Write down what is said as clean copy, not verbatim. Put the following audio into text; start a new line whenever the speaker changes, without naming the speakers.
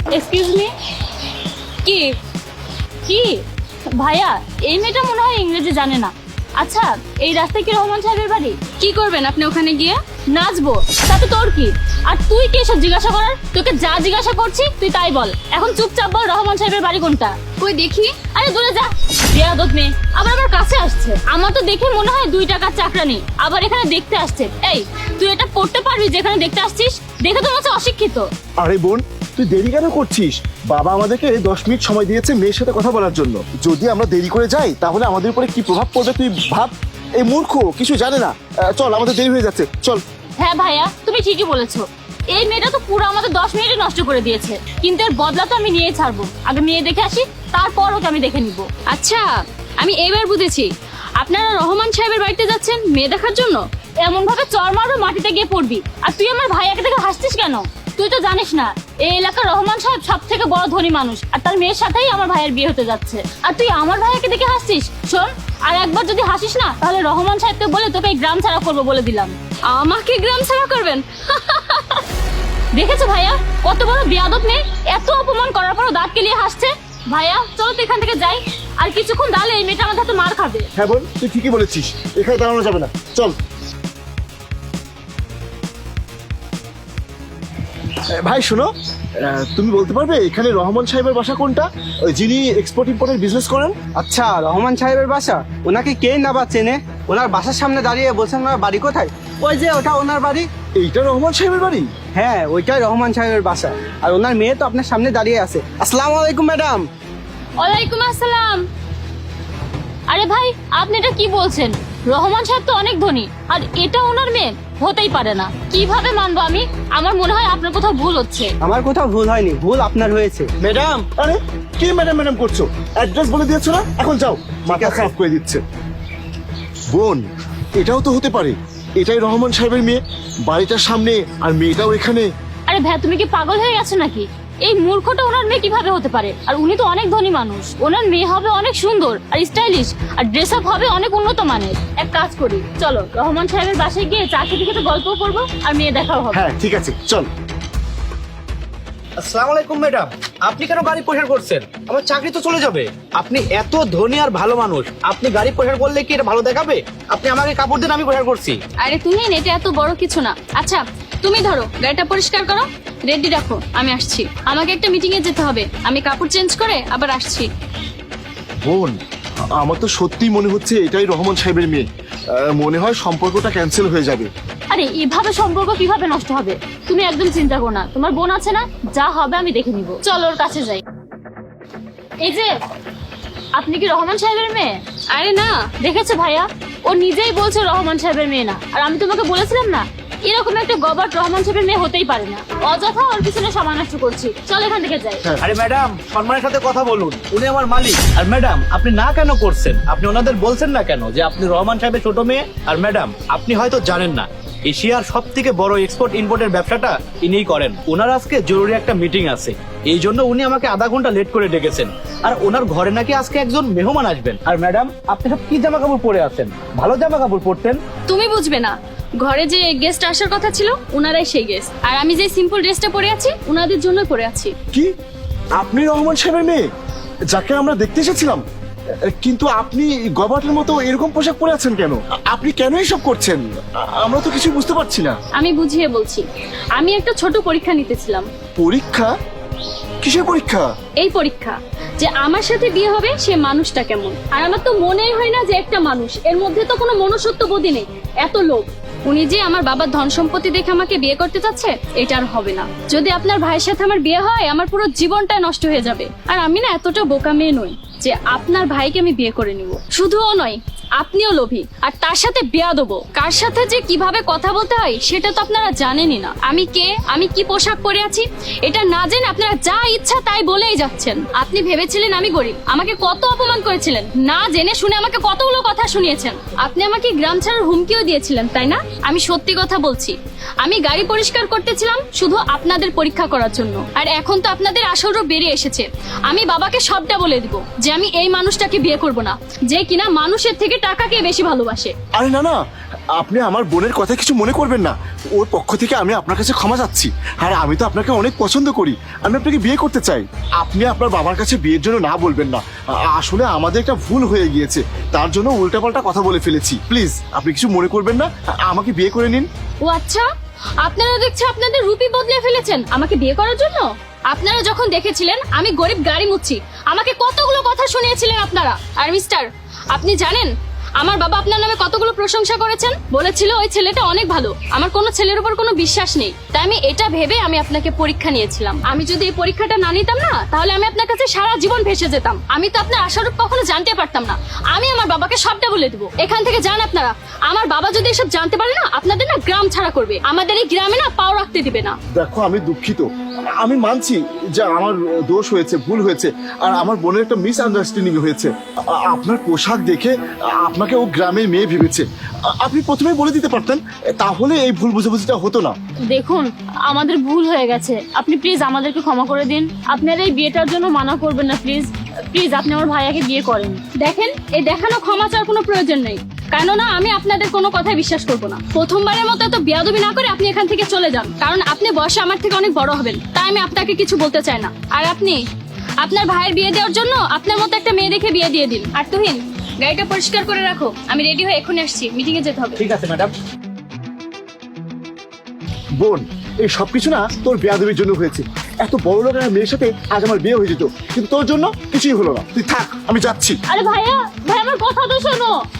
Excuse me. কি কি ভাইয়া, এই মেয়েটা মনে হয় ইংরেজি জানে না। আচ্ছা, এই রাস্তায় কি রহমান সাহেবের বাড়ি? কি করবেন আপনি ওখানে গিয়ে? নাচবো। তাতে তোর কি? আর তুই কি এসব জিজ্ঞাসা করার? তোকে যা জিজ্ঞাসা করছি তুই তাই বল। এখন চুপচাপ বল রহমান সাহেবের বাড়ি কোনটা। কই দেখি। আরে দূরে যা। বেয়াদব মেয়ে আবার আমার কাছে আসছে। আমার তো দেখে মনে হয় 2 টাকার চাকরানি, আবার এখানে দেখতে আসছে। এই তুই এটা পড়তে পারবি যেখানে দেখতে আসছিস? দেখে তো মনে হচ্ছে অশিক্ষিত।
আরে বোন, তুই দেরি কেন করছিস? বাবা আমাদেরকে 10 মিনিট সময় দিয়েছে মেয়ের সাথে কথা বলার জন্য। যদি আমরা দেরি করে যাই তাহলে আমাদের উপরে কি প্রভাব পড়বে তুই ভাব। এই মূর্খ কিছু জানে না। চল, আমাদের দেরি হয়ে যাচ্ছে, চল।
হ্যাঁ ভাইয়া, তুমি ঠিকই বলেছো। এই মেয়েটা তো পুরো আমাদের 10 মিনিটে নষ্ট করে দিয়েছে, কিন্তু এর বদলা তো আমি নিয়েই ছাড়বো। আগে মেয়ে দেখে আসি, তারপর ওকে আমি দেখে নিব। আচ্ছা, আমি এবার বুঝেছি আপনারা রহমান সাহেবের বাড়িতে যাচ্ছেন মেয়ে দেখার জন্য। এমন ভাবে চর মারবে মাটিতে গিয়ে পড়বি। আর তুই আমার ভাইয়াকে দেখে হাসছিস কেন? তুই তো জানিস না এই এলাকার রহমান সাহেব সব থেকে বড় ধনী মানুষ, আর তার মেয়ের সাথেই আমার ভাইয়ের বিয়ে হতে যাচ্ছে। আর তুই আমার ভাইয়াকে দেখে হাসছিস? শোন, আর একবার যদি হাসিস না তাহলে রহমান সাহেবকে বলে তোকে এই গ্রাম ছাড়া করবো বলে দিলাম। আমাকে গ্রাম ছাড়া করবেন? দেখেছো ভাইয়া, কত বড় বেয়াদব মেয়ে। এত অপমান করার পরও দাঁত কেলিয়ে হাসছে। ভাইয়া চলো তো এখান থেকে যাই, আর কিছুক্ষণ দাঁড়ালে এই মেয়েটা আমাদের হাতে মার খাবে।
হ্যাঁ বোন, তুই ঠিকই বলেছিস, এখানে দাঁড়ানো যাবে না, চল। ভাই শোনো, তুমি বলতে পারবে এখানে রহমান সাহেবের বাসা কোনটা? যিনি এক্সপোর্ট ইম্পোর্টের বিজনেস করেন।
আচ্ছা, রহমান সাহেবের বাসা? ওনাকে কে না বা চেনে? ওনার বাসার সামনে দাঁড়িয়ে বলছেন ওনার বাড়ি কোথায়? ওই যে ওটা ওনার বাড়ি।
এইটা রহমান সাহেবের বাড়ি?
হ্যাঁ, ওইটাই রহমান সাহেবের বাসা। আর ওনার মেয়ে তো আপনার সামনে দাঁড়িয়ে আছে। আসসালামু আলাইকুম ম্যাডাম।
ওয়ালাইকুম আসসালাম। আরে ভাই, আপনি এটা কি বলছেন? রহমান সাহেব তো অনেক ধনী, আর এটা ওনার মেয়ে? হতেই পারে না। কিভাবে মানবো আমি? আমার মনে হয় আপনার কোথাও ভুল হচ্ছে।
আমার কোথাও ভুল হয়নি, ভুল আপনার হয়েছে।
ম্যাডাম, আরে কি ম্যাডাম ম্যাডাম করছো? অ্যাড্রেস বলে দিয়েছো না, এখন যাও। মাথা খারাপ করে দিচ্ছে। বোন, এটাও তো হতে পারে এটাই রহমান সাহেবের মেয়ে, বাড়িটার সামনে, আর মেয়েটাও এখানে।
আরে ভাই, তুমি কি পাগল হয়ে গেছো নাকি? এই মূর্খটা ওনার মেয়ে কিভাবে হতে পারে? আর উনি তো অনেক ধনী মানুষ। ওনার মেয়ে হবে অনেক সুন্দর আর স্টাইলিশ, আর ড্রেস আপ হবে অনেক উন্নত মানের। এক কাজ করি, চলো রহমান সাহেবের বাসায় গিয়ে চা খেতে খেতে গল্পও করবো আর মেয়ে দেখাও হবে।
হ্যাঁ ঠিক আছে, চল।
আসসালামু আলাইকুম ম্যাডাম, আপনি কেন গাড়ি প্রসার করছেন? আমার চাকরি তো চলে যাবে। আপনি এত ধনী আর ভালো মানুষ, আপনি গাড়ি প্রসার করলে কি এটা ভালো দেখাবে? আপনি আমাকে কাপড় দেন, আমি প্রসার করছি।
আরে তুমি এটা এত বড় কিছু না। আচ্ছা তুমি ধরো গাড়িটা পরিষ্কার করো, রেডি রাখো, আমি আসছি। আমাকে একটা মিটিং এ যেতে হবে, আমি কাপড় চেঞ্জ করে আবার আসছি।
বোন, আমার তো সত্যিই মনে হচ্ছে এটাই রহমান সাহেবের মেয়ে। মনে হয় সম্পর্কটা ক্যান্সেল হয়ে যাবে।
আরে এভাবে সম্পর্ক কিভাবে নষ্ট হবে? তুমি একদম চিন্তা করো না, তোমার বোন আছে না, যা হবে আমি দেখে নিব। চলো ওর কাছে যাই। এই যে, আপনি কি রহমান সাহেবের মেয়ে? আরে না, দেখেছো ভাইয়া, ও নিজেই বলছে রহমান সাহেবের মেয়ে না। আর আমি তোমাকে বলেছিলাম না, এরকম একটা গবাট রহমান সাহেবের মেয়ে হতেই পারে না। অযথা ওর পিছনে সময় নষ্ট করছি। চল এখান থেকে যাই।
আরে ম্যাডাম, সম্মানের সাথে কথা বলুন, উনি আমার মালিক। আর ম্যাডাম, আপনি না কেন করছেন? আপনি ওনাদের বলছেন না কেন যে আপনি রহমান সাহেবের ছোট মেয়ে? আর ম্যাডাম, আপনি হয়তো জানেন না, এশিয়ার সব থেকে বড় এক্সপোর্ট ইম্পোর্টের ব্যবসাটা ইনিই করেন। ওনার আজকে জরুরি একটা মিটিং আছে, এই জন্য উনি আমাকে আধা ঘন্টা লেট করে ডেকেছেন। আর ওনার ঘরে নাকি আজকে একজন মেহমান আসবেন। আর ম্যাডাম, আপনি সব কি জামা কাপড় পরে আছেন? ভালো জামা কাপড় পরতেন।
তুমি বুঝবে না, ঘরে যে গেস্ট আসার কথা ছিল ওনারাই সেই গেস্ট। আর আমি যে সিম্পল ড্রেসটা পরে আছি ওনাদের জন্য পরে আছি।
কি, আপনি রহমান সাহেবের মেয়ে যাকে আমরা দেখতে এসেছিলাম? কিন্তু আপনি গবাটের মতো এরকম পোশাক পরে আছেন কেন? আপনি কেন এসব করছেন? আমরা তো কিছু বুঝতে পারছি না।
আমি বুঝিয়ে বলছি, আমি একটা ছোট পরীক্ষা নিতেছিলাম।
পরীক্ষা? কিসের পরীক্ষা?
এই পরীক্ষা যে আমার সাথে বিয়ে হবে সে মানুষটা কেমন। আর আমার তো মনেই হয় না যে একটা মানুষ, এর মধ্যে তো কোনো মনুষ্যত্ব বোধই নেই, এত লোভ। উনি যে আমার বাবার ধন সম্পত্তি দেখে আমাকে বিয়ে করতে চাচ্ছে, এটা আর হবে না। যদি আপনার ভাইয়ের সাথে আমার বিয়ে হয় আমার পুরো জীবনটাই নষ্ট হয়ে যাবে। আর আমি না এতটা বোকা মেয়ে নই যে আপনার ভাইকে আমি বিয়ে করে নিব। শুধুও নয়, আপনিও লোভী, আর তার সাথে বিয়া দেবো। কার সাথে যে কিভাবে কথা বলতে হয় সেটা তো আপনারা জানেনই না। আমি কে, আমি কি পোশাক পরে আছি, এটা না জেনে আপনারা যা ইচ্ছা তাই বলেই যাচ্ছেন। আপনি ভেবেছিলেন আমি গরিব, আমাকে কত অপমান করেছিলেন, না জেনে শুনে আমাকে কতগুলো কথা শুনিয়েছেন। আপনি আমাকে গ্রাম ছাড়ার হুমকিও দিয়েছিলেন, তাই না? আমি সত্যি কথা বলছি, আমি গাড়ি পরিষ্কার করতেছিলাম শুধু আপনাদের পরীক্ষা করার জন্য। আর এখন তো আপনাদের আসরও বেরিয়ে এসেছে। আমি বাবাকে সবটা বলে দিব যে আমি এই মানুষটাকে বিয়ে করব না, যে কিনা মানুষের থেকে টাকাকে বেশি ভালোবাসে।
আরে না না, আপনি আমার বোনের কথা কিছু মনে করবেন না। ওর পক্ষ থেকে আমি আপনার কাছে ক্ষমা চাচ্ছি। আর আমি তো আপনাকে অনেক পছন্দ করি, আমি আপনাকে বিয়ে করতে চাই। আপনি আপনার বাবার কাছে বিয়ের জন্য না বলবেন না। আসলে আমাদের একটা ভুল হয়ে গিয়েছে, তার জন্য উল্টাপাল্টা কথা বলে ফেলেছি। প্লিজ আপনি কিছু মনে করবেন না, আমাকে বিয়ে করে নিন।
ও আচ্ছা, আপনারা দেখছি আপনাদের রূপই বদলে ফেলেছেন আমাকে বিয়ে করার জন্য। আপনারা যখন দেখেছিলেন আমি গরিব গাড়ি মুচ্ছি, আমাকে কতগুলো কথা শুনিয়েছিলেন আপনারা। আর মিস্টার, আপনি জানেন আমার বাবা আপনার নামে কতগুলো প্রশংসা করেছেন? বলেছিল ওই ছেলেটা অনেক ভালো, আমার কোনো ছেলের উপর কোনো বিশ্বাস নেই। তাই আমি এটা ভেবে আমি আপনাকে পরীক্ষা নিয়েছিলাম। আমি যদি এই পরীক্ষাটা না নিতাম না, তাহলে আমি আপনার কাছে সারা জীবন ভেসে যেতাম। আমি তো আপনার আশারূপ কখনো জানতে পারতাম না। আমি আমার বাবাকে সবটা বলে দেবো। এখান থেকে যান আপনারা। আমার বাবা যদি এসব জানতে পারে না, আপনাদের না গ্রাম ছাড়া করবে। আমাদের এই গ্রামে না পাও রাখতে দিবে না।
দেখো আমি দুঃখিত, আমি মানছি যে আমার দোষ হয়েছে, ভুল হয়েছে, আর আমার বোনের একটা মিসআন্ডারস্ট্যান্ডিং হয়েছে। আপনার পোশাক দেখে আপনাকে ও গ্রামের মেয়ে ভেবেছে। আপনি প্রথমেই বলে দিতে পারতেন, তাহলে এই ভুল বুঝাবুঝিটা হতো না।
দেখুন, আমাদের ভুল হয়ে গেছে, আপনি প্লিজ আমাদেরকে ক্ষমা করে দিন। আপনারা এই বিয়েটার জন্য মানা করবেন না প্লিজ। প্লিজ আপনি আমার ভাইয়াকে বিয়ে করেন। দেখেন, এই দেখানো ক্ষমা চাওয়ার কোনো প্রয়োজন নেই, কেননা আমি আপনাদের কোনো কথাই বিশ্বাস করবো না। প্রথমবারের মতো এত বেয়াদবি না করে আপনি এখান থেকে চলে যান, কারণ আপনি বয়সে আমার থেকে অনেক বড় হবেন। তাই আমি আপনাকে কিছু বলতে চাই না। আর আপনি আপনার ভাইয়ের বিয়ে দেওয়ার জন্য আপনার মতো একটা মেয়ে দেখে বিয়ে দিয়ে দিন। আর তুহিন, গাড়িটা পরিষ্কার করে রাখো, আমি রেডি হয়ে এখনই আসছি, মিটিং এ যেতে হবে।
ঠিক আছে ম্যাডাম।
বোন, এই সবকিছু না তোর বেয়াদবির জন্য হয়েছে। এত বড় লোকের মেয়ের সাথে আজ আমার বিয়ে হয়ে যেত, কিন্তু তোর জন্য কিছুই হলো না। তুই থাক, আমি যাচ্ছি।
আরে ভাইয়া, ভাই আমার কথা তো শোনো।